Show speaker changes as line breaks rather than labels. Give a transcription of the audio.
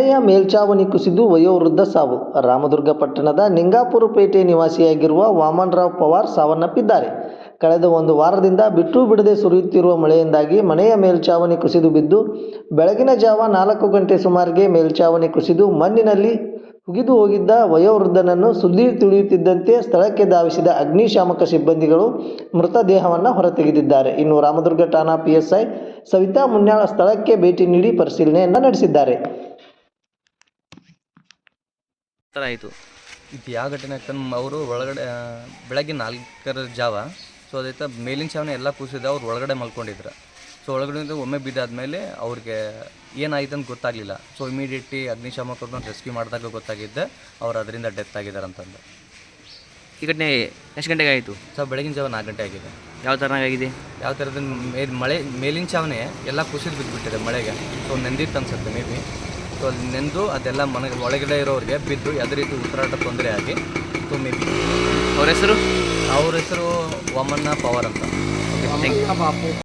ಮನೆಯ ಮೇಲ್ಛಾವಣಿ ಕುಸಿದು ವಯೋವೃದ್ಧ ಸಾವು. ರಾಮದುರ್ಗ ಪಟ್ಟಣದ ನಿಂಗಾಪುರ ಪೇಟೆ ನಿವಾಸಿಯಾಗಿರುವ ವಾಮನರಾವ್ ಪವಾರ್ ಸಾವನ್ನಪ್ಪಿದ್ದಾರೆ. ಕಳೆದ ಒಂದು ವಾರದಿಂದ ಬಿಟ್ಟು ಬಿಡದೆ ಸುರಿಯುತ್ತಿರುವ ಮಳೆಯಿಂದಾಗಿ ಮನೆಯ ಮೇಲ್ಛಾವಣಿ ಕುಸಿದು ಬಿದ್ದು ಬೆಳಗಿನ ಜಾವ 4 ಗಂಟೆ ಸುಮಾರಿಗೆ ಮೇಲ್ಛಾವಣಿ ಕುಸಿದು ಮಣ್ಣಿನಲ್ಲಿ ಹುಗಿದು ಹೋಗಿದ್ದ ವಯೋವೃದ್ಧನನ್ನು ಸುದ್ದಿ ತಿಳಿಯುತ್ತಿದ್ದಂತೆ ಸ್ಥಳಕ್ಕೆ ಧಾವಿಸಿದ ಅಗ್ನಿಶಾಮಕ ಸಿಬ್ಬಂದಿಗಳು ಮೃತದೇಹವನ್ನು ಹೊರತೆಗೆದಿದ್ದಾರೆ. ಇನ್ನು ರಾಮದುರ್ಗ ಠಾಣಾ PSI ಸವಿತಾ ಮುನ್ಯಾಳ ಸ್ಥಳಕ್ಕೆ ಭೇಟಿ ನೀಡಿ ಪರಿಶೀಲನೆಯನ್ನು ನಡೆಸಿದ್ದಾರೆ.
ಆಯಿತು ಇದು ಯಾವ ಘಟನೆ ಆಗ್ತಾನೆ ಅವರು ಒಳಗಡೆ ಬೆಳಗ್ಗೆ 4 ಜಾವ. ಸೊ ಅದೈತೆ ಮೇಲಿನ ಛಾವಣಿ ಎಲ್ಲ ಕೂಸಿದ ಅವ್ರು ಒಳಗಡೆ ಮಲ್ಕೊಂಡಿದ್ರು. ಸೊ ಒಳಗಡೆ ಒಮ್ಮೆ ಬಿದ್ದಾದಮೇಲೆ ಅವ್ರಿಗೆ ಏನಾಯ್ತು ಅಂತ ಗೊತ್ತಾಗಲಿಲ್ಲ. ಸೊ ಇಮಿಡಿಯೇಟ್ಲಿ ಅಗ್ನಿಶಾಮಕರನ್ನ ರೆಸ್ಕ್ಯೂ ಮಾಡಿದಾಗ ಗೊತ್ತಾಗಿದ್ದೆ ಅವ್ರು ಅದರಿಂದ ಡೆತ್ ಆಗಿದ್ದಾರೆ ಅಂತಂದು.
ಈ ಘಟನೆ ಎಷ್ಟು ಗಂಟೆಗೆ ಆಯಿತು?
ಸೊ ಬೆಳಗಿನ ಜಾವ 4 ಗಂಟೆ ಆಗಿದೆ.
ಯಾವ ಥರನಾಗಿದೆ?
ಯಾವ ಥರದ ಮಳೆ ಮೇಲಿನ ಛಾವಣಿ ಎಲ್ಲ ಕುಸಿದು ಬಿದ್ದುಬಿಟ್ಟಿದೆ ಮಳೆಗೆ. ಸೊ ನೆಂದಿತ್ತು ಅನ್ಸುತ್ತೆ ಮೇ ಬಿ. ಸೊ ಅಲ್ಲಿ ನೆಂದು ಅದೆಲ್ಲ ಮನೆಗೆ ಒಳಗಡೆ ಇರೋರಿಗೆ ಬಿದ್ದು ಯಾವುದೇ ರೀತಿ ಉಸಿರಾಟ ತೊಂದರೆ ಆಗಿ ಸೊ ಮೇ ಬಿ.
ಅವ್ರ ಹೆಸರು
ವಾಮನ ಪವಾರ್ ಅಂತ.
Thank you.